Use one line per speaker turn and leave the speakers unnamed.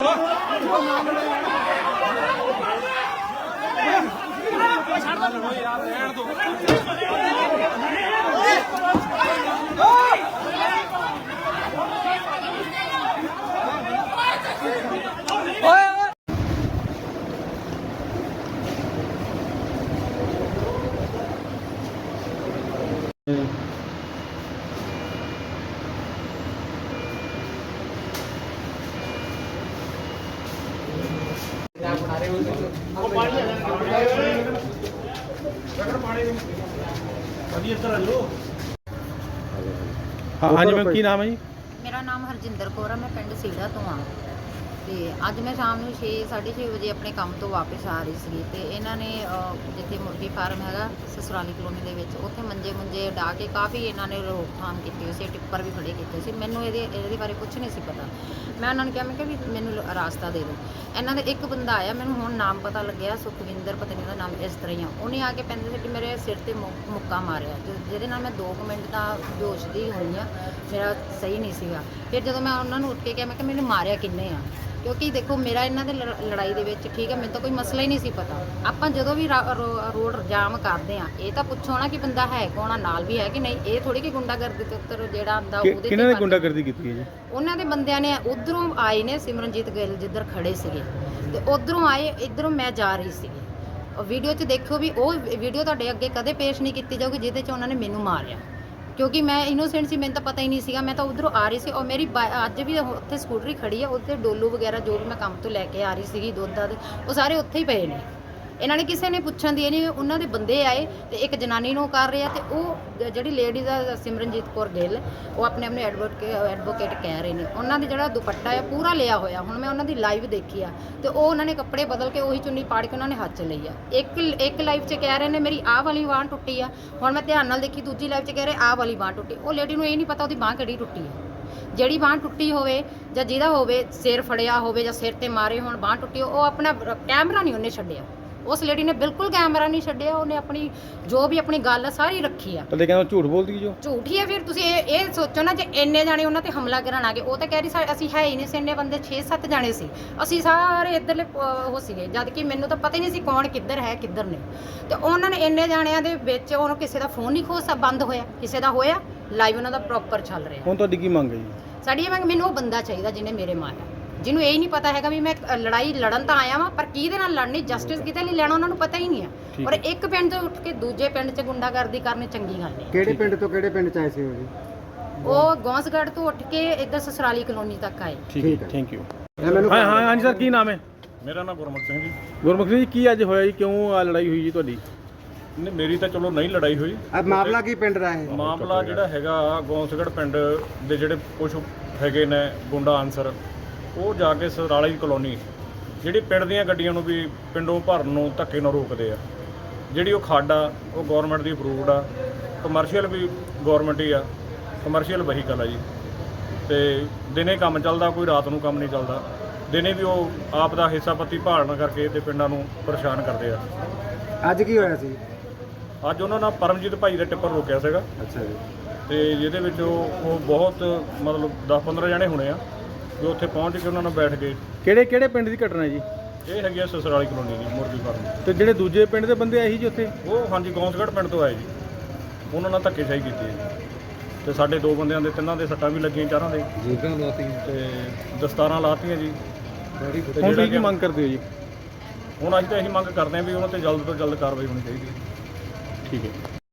हाँ जी मैम की नाम है जी?
मेरा नाम हरजिंदर कौर है। मैं पिंड सीड़ा तो हाँ। ਤੇ ਅੱਜ ਮੈਂ ਸ਼ਾਮ ਨੂੰ 6:30 ਵਜੇ ਆਪਣੇ ਕੰਮ ਤੋਂ ਵਾਪਸ ਆ ਰਹੀ ਸੀ ਤੇ ਇਹਨਾਂ ਨੇ ਜਿੱਥੇ ਮੁਰਗੀ ਫਾਰਮ ਹੈਗਾ ਸਸੁਰਾਲੀ ਕਲੋਨੀ ਦੇ ਵਿੱਚ ਉੱਥੇ ਮੰਜੇ ਡਾ ਕੇ ਕਾਫੀ ਇਹਨਾਂ ਨੇ ਰੋਕਥਾਮ ਕੀਤੀ ਹੋਈ ਸੀ, ਟਿੱਪਰ ਵੀ ਖੜੇ ਕੀਤੇ ਸੀ। ਮੈਨੂੰ ਇਹਦੇ ਬਾਰੇ ਕੁਝ ਨਹੀਂ ਸੀ ਪਤਾ। ਮੈਂ ਉਹਨਾਂ ਨੂੰ ਕਿਹਾ, ਮੈਂ ਕਿਹਾ ਵੀ ਮੈਨੂੰ ਰਾਸਤਾ ਦੇ ਦਿਓ। ਇਹਨਾਂ ਦੇ ਇੱਕ ਬੰਦਾ ਆਇਆ, ਮੈਨੂੰ ਹੁਣ ਨਾਮ ਪਤਾ ਲੱਗਿਆ, ਸੁਖਵਿੰਦਰ ਪਤਾ ਨਹੀਂ ਉਹਦਾ ਨਾਮ, ਇਸ ਤਰ੍ਹਾਂ ਹੀ ਆ। ਉਹਨੇ ਆ ਕੇ ਪੈਂਦੇ ਸੀ ਕਿ ਮੇਰੇ ਸਿਰ ਤੇ ਮੁੱਕਾ ਮਾਰਿਆ, ਜਿਹਦੇ ਨਾਲ ਮੈਂ 2 ਮਿੰਟ ਤਾਂ ਬੇਹੋਸ਼ ਦੀ ਹੋਈ ਆ, ਮੇਰਾ ਸਹੀ ਨਹੀਂ ਸੀਗਾ। ਫਿਰ ਜਦੋਂ ਮੈਂ ਉਹਨਾਂ ਨੂੰ ਉੱਠ ਕੇ ਕਿਹਾ, ਮੈਂ ਕਿਹਾ ਮੈਨੂੰ ਮਾਰਿਆ ਕਿੰਨੇ ਆ, ਕਿਉਂਕਿ ਦੇਖੋ ਮੇਰਾ ਇਹਨਾਂ ਦੇ ਲੜਾਈ ਦੇ ਵਿੱਚ ਠੀਕ ਹੈ, ਮੈਨੂੰ ਤਾਂ ਕੋਈ ਮਸਲਾ ਹੀ ਨਹੀਂ ਸੀ ਪਤਾ। ਆਪਾਂ ਜਦੋਂ ਵੀ ਰੋਡ ਜਾਮ ਕਰਦੇ ਆ, ਇਹ ਤਾਂ ਪੁੱਛੋ ਨਾ ਕਿ ਬੰਦਾ ਹੈ ਕੌਣ ਆ, ਨਾਲ ਵੀ ਹੈ ਕਿ ਨਹੀਂ। ਇਹ ਥੋੜੀ ਕਿ ਗੁੰਡਾਗਰਦੀ ਤੇ ਉੱਤਰ ਜਿਹੜਾ ਆਂਦਾ ਉਹਦੇ
ਕਿਹਨਾਂ ਨੇ ਗੁੰਡਾਗਰਦੀ ਕੀਤੀ ਹੈ ਜੀ? ਉਹਨਾਂ
ਦੇ ਬੰਦਿਆਂ ਨੇ ਉਧਰੋਂ ਆਏ ਨੇ, ਸਿਮਰਨਜੀਤ ਗਿੱਲ ਜਿੱਧਰ ਖੜੇ ਸੀਗੇ ਤੇ ਉਧਰੋਂ ਆਏ, ਇੱਧਰੋਂ ਮੈਂ ਜਾ ਰਹੀ ਸੀਗੀ। ਵੀਡੀਓ 'ਚ ਦੇਖੋ ਵੀ ਉਹ ਵੀਡੀਓ ਤੁਹਾਡੇ ਅੱਗੇ ਕਦੇ ਪੇਸ਼ ਨਹੀਂ ਕੀਤੀ ਜਾਊਗੀ ਜਿਹਦੇ 'ਚ ਉਹਨਾਂ ਨੇ ਮੈਨੂੰ ਮਾਰਿਆ, ਕਿਉਂਕਿ ਮੈਂ ਇਨੋਸੈਂਟ ਸੀ, ਮੈਨੂੰ ਤਾਂ ਪਤਾ ਹੀ ਨਹੀਂ ਸੀਗਾ। ਮੈਂ ਤਾਂ ਉਧਰੋਂ ਆ ਰਹੀ ਸੀ ਔਰ ਮੇਰੀ ਅੱਜ ਵੀ ਉੱਥੇ ਸਕੂਟਰੀ ਖੜੀ ਆ, ਉੱਥੇ ਡੋਲੂ ਵਗੈਰਾ ਜੋ ਵੀ ਮੈਂ ਕੰਮ ਤੋਂ ਲੈ ਕੇ ਆ ਰਹੀ ਸੀਗੀ, ਦੁੱਧ ਦਾ ਉਹ ਸਾਰੇ ਉੱਥੇ ਹੀ ਪਏ ਨੇ। ਇਹਨਾਂ ਨੇ ਕਿਸੇ ਨੇ ਪੁੱਛਣ ਦੀ ਨਹੀਂ, ਉਹਨਾਂ ਦੇ ਬੰਦੇ ਆਏ ਤੇ ਇੱਕ ਜਨਾਨੀ ਨੂੰ ਕਰ ਰਹੇ ਆ ਤੇ ਉਹ ਜਿਹੜੀ ਲੇਡੀ ਦਾ ਸਿਮਰਨਜੀਤ ਕੌਰ ਗਿੱਲ, ਉਹ ਆਪਣੇ ਐਡਵੋਕੇਟ ਕਹਿ ਰਹੇ ਨੇ। ਉਹਨਾਂ ਦੇ ਜਿਹੜਾ ਦੁਪੱਟਾ ਆ ਪੂਰਾ ਲਿਆ ਹੋਇਆ, ਹੁਣ ਮੈਂ ਉਹਨਾਂ ਦੀ ਲਾਈਵ ਦੇਖੀ ਆ ਤੇ ਉਹ ਉਹਨਾਂ ਨੇ ਕੱਪੜੇ ਬਦਲ ਕੇ ਉਹੀ ਚੁੰਨੀ ਪਾੜ ਕੇ ਉਹਨਾਂ ਨੇ ਹੱਥ 'ਚ ਲਈ ਆ। ਇੱਕ ਲਾਈਵ 'ਚ ਕਹਿ ਰਹੇ ਨੇ ਮੇਰੀ ਆਹ ਵਾਲੀ ਬਾਂਹ ਟੁੱਟੀ ਆ, ਹੁਣ ਮੈਂ ਧਿਆਨ ਨਾਲ ਦੇਖੀ, ਦੂਜੀ ਲਾਈਵ 'ਚ ਕਹਿ ਰਹੇ ਆਹ ਵਾਲੀ ਬਾਂਹ ਟੁੱਟੀ। ਉਹ ਲੇਡੀ ਨੂੰ ਇਹ ਨਹੀਂ ਪਤਾ ਉਹਦੀ ਬਾਂਹ ਕਿਹੜੀ ਟੁੱਟੀ ਆ। ਜਿਹੜੀ ਬਾਂਹ ਟੁੱਟੀ ਹੋਵੇ ਜਾਂ ਜਿਹਦਾ ਹੋਵੇ ਸਿਰ ਫੜਿਆ ਹੋਵੇ ਜਾਂ ਸਿਰ ਤੇ ਮਾਰੇ ਹੋਣ ਬਾਂਹ ਟੁੱਟੀ, ਉਹ ਆਪਣਾ ਕੈਮਰਾ ਨਹੀਂ ਉਹਨੇ ਛੱਡਿਆ। ਉਸ ਲੇਡੀ ਨੇ ਬਿਲਕੁਲ ਕੈਮਰਾ ਨਹੀਂ ਛੱਡਿਆ, ਉਹਨੇ ਆਪਣੀ ਜੋ ਵੀ ਆਪਣੀ ਗੱਲ ਸਾਰੀ ਰੱਖੀ ਆ।
ਤੇ ਕਹਿੰਦਾ ਝੂਠ ਬੋਲਦੀ ਜੋ
ਝੂਠੀ ਹੈ। ਫਿਰ ਤੁਸੀਂ ਇਹ ਸੋਚੋ ਨਾ, ਜੇ ਇੰਨੇ ਜਾਣੇ ਉਹਨਾਂ ਤੇ ਹਮਲਾ ਕਰਨ ਆ ਗਏ, ਉਹ ਤਾਂ ਕਹਿ ਰਹੀ ਅਸੀਂ ਹੈ ਹੀ ਨਹੀਂ ਸੀ, ਇੰਨੇ ਬੰਦੇ 6-7 ਜਾਣੇ ਸੀ, ਅਸੀਂ ਸਾਰੇ ਇੱਧਰਲੇ ਉਹ ਸੀਗੇ, ਜਦ ਕਿ ਮੈਨੂੰ ਤਾਂ ਪਤਾ ਹੀ ਨਹੀਂ ਸੀ ਕੌਣ ਕਿੱਧਰ ਹੈ ਕਿੱਧਰ ਨਹੀਂ। ਤੇ ਉਹਨਾਂ ਨੇ ਇੰਨੇ ਜਾਣਿਆਂ ਦੇ ਵਿੱਚ ਉਹਨੂੰ ਕਿਸੇ ਦਾ ਫੋਨ ਨਹੀਂ ਬੰਦ ਹੋਇਆ, ਕਿਸੇ ਦਾ ਹੋਇਆ, ਲਾਈਵ ਉਹਨਾਂ ਦਾ ਪ੍ਰੋਪਰ ਚੱਲ ਰਿਹਾ।
ਹੁਣ ਤੁਹਾਡੀ ਕੀ ਮੰਗ ਹੈ ਜੀ?
ਸਾਡੀ ਇਹ ਮੰਗ, ਮੈਨੂੰ ਉਹ ਬੰਦਾ ਚਾਹੀਦਾ ਜਿਹਨੇ ਮੇਰੇ ਮਾਰਿਆ, ਜਿਹਨੂੰ ਇਹ ਨਹੀਂ ਪਤਾ ਹੈਗਾ ਵੀ ਮੈਂ ਲੜਾਈ ਲੜਨ ਤਾਂ ਆਇਆ ਵਾਂ, ਪਰ ਕਿਹਦੇ ਨਾਲ ਲੜਨੀ, ਜਸਟਿਸ ਕਿਤੇ ਲਈ ਲੈਣਾ ਉਹਨਾਂ ਨੂੰ ਪਤਾ ਹੀ ਨਹੀਂ ਹੈ। ਔਰ ਇੱਕ ਪਿੰਡ ਤੋਂ ਉੱਠ ਕੇ ਦੂਜੇ ਪਿੰਡ 'ਚ ਗੁੰਡਾਗਰਦੀ ਕਰਨੀ ਚੰਗੀ ਗੱਲ ਨਹੀਂ।
ਕਿਹੜੇ ਪਿੰਡ ਤੋਂ ਕਿਹੜੇ ਪਿੰਡ 'ਚ ਆਏ ਸੀ ਉਹ ਜੀ?
ਉਹ ਗੌਂਸਗੜ੍ਹ ਤੋਂ ਉੱਠ ਕੇ ਇੱਧਰ ਸਸਰਾਲੀ ਕਲੋਨੀ ਤੱਕ ਆਏ।
ਠੀਕ ਹੈ, ਥੈਂਕ ਯੂ। ਹਾਂ ਹਾਂਜੀ ਸਰ, ਕੀ ਨਾਮ ਹੈ?
ਮੇਰਾ ਨਾਮ ਗੁਰਮੁਖ ਸਿੰਘ ਜੀ।
ਗੁਰਮੁਖ ਸਿੰਘ ਜੀ, ਕੀ ਅੱਜ ਹੋਇਆ ਜੀ? ਕਿਉਂ ਆ ਲੜਾਈ ਹੋਈ ਜੀ ਤੁਹਾਡੀ?
ਨਹੀਂ, ਮੇਰੀ ਤਾਂ ਚਲੋ ਨਹੀਂ ਲੜਾਈ ਹੋਈ।
ਮਾਮਲਾ ਕੀ ਪਿੰਡ ਦਾ ਹੈ?
ਮਾਮਲਾ ਜਿਹੜਾ ਹੈਗਾ ਗੌਂਸਗੜ੍ਹ ਪਿੰਡ ਦੇ ਜਿਹੜੇ ਕੁਝ ਹੈਗੇ ਨੇ ਗੁੰਡਾ ਆਨਸਰ, ਉਹ ਜਾ ਕੇ ਸਰਾਲੀ ਕਲੋਨੀ ਜਿਹੜੀ ਪਿੰਡ ਦੀਆਂ ਗੱਡੀਆਂ ਨੂੰ ਵੀ ਪਿੰਡੋਂ ਭਰਨ ਨੂੰ ਧੱਕੇ ਨਾਲ ਰੋਕਦੇ ਆ। ਜਿਹੜੀ ਉਹ ਖੱਡ ਆ ਉਹ ਗੌਰਮੈਂਟ ਦੀ ਅਪਰੂਵਡ ਆ, ਕਮਰਸ਼ੀਅਲ ਵੀ ਗੌਰਮੈਂਟ ਹੀ ਆ, ਕਮਰਸ਼ੀਅਲ ਵਹੀਕਲ ਆ ਜੀ। ਤੇ ਦਿਨੇ ਕੰਮ ਚੱਲਦਾ, ਕੋਈ ਰਾਤ ਨੂੰ ਕੰਮ ਨਹੀਂ ਚੱਲਦਾ। ਦਿਨੇ ਵੀ ਉਹ ਆਪ ਦਾ ਹਿੱਸਾ ਪੱਤੀ ਭਾਲਣ ਕਰਕੇ ਤੇ ਪਿੰਡਾਂ ਨੂੰ ਪਰੇਸ਼ਾਨ ਕਰਦੇ ਆ।
ਅੱਜ ਕੀ ਹੋਇਆ ਸੀ?
ਅੱਜ ਉਹਨਾਂ ਨਾਲ ਪਰਮਜੀਤ ਭਾਈ ਦਾ ਟਿੱਪਰ ਰੋਕਿਆ ਸੀਗਾ।
ਅੱਛਾ ਜੀ।
ਤੇ ਜਿਹਦੇ ਵਿੱਚ ਉਹ ਬਹੁਤ ਮਤਲਬ 10-15 ਜਣੇ ਹੋਣੇ ਆ ਜੋ ਉੱਥੇ ਪਹੁੰਚ ਕੇ ਉਹਨਾਂ ਨਾਲ ਬੈਠ ਗਏ।
ਕਿਹੜੇ ਪਿੰਡ ਦੀ ਘਟਨਾ ਜੀ?
ਇਹ ਹੈਗੀ ਆ ਸਸਰਾਲੀ ਕਲੋਨੀ ਦੀ ਮੁਰਗੀ ਫਾਰਮ।
ਤੇ ਜਿਹੜੇ ਦੂਜੇ ਪਿੰਡ ਦੇ ਬੰਦੇ ਆਏ ਸੀ ਜੀ ਉੱਥੇ,
ਉਹ ਹਾਂਜੀ ਗੌਂਸਗੜ੍ਹ ਪਿੰਡ ਤੋਂ ਆਏ ਜੀ। ਉਹਨਾਂ ਨਾਲ ਧੱਕੇਸ਼ਾਹੀ ਕੀਤੀ ਹੈ ਤੇ ਸਾਡੇ 2 ਬੰਦਿਆਂ ਦੇ 3 ਦੇ ਸੱਟਾਂ ਵੀ ਲੱਗੀਆਂ, 4 ਦੇ
ਜੀਬਾਂ ਲਾਤੀਆਂ
ਤੇ ਦਸਤਾਰਾਂ ਲਾਤੀਆਂ ਜੀ।
ਹੁਣ ਤੁਸੀਂ ਕੀ ਮੰਗ ਕਰਦੇ ਹੋ ਜੀ?
ਹੁਣ ਅਸੀਂ ਤਾਂ ਇਹੀ ਮੰਗ ਕਰਦੇ ਹਾਂ ਵੀ ਉਹਨਾਂ ਤੇ ਜਲਦ ਤੋਂ ਜਲਦ ਕਾਰਵਾਈ ਹੋਣੀ ਚਾਹੀਦੀ ਹੈ।
ਠੀਕ ਹੈ।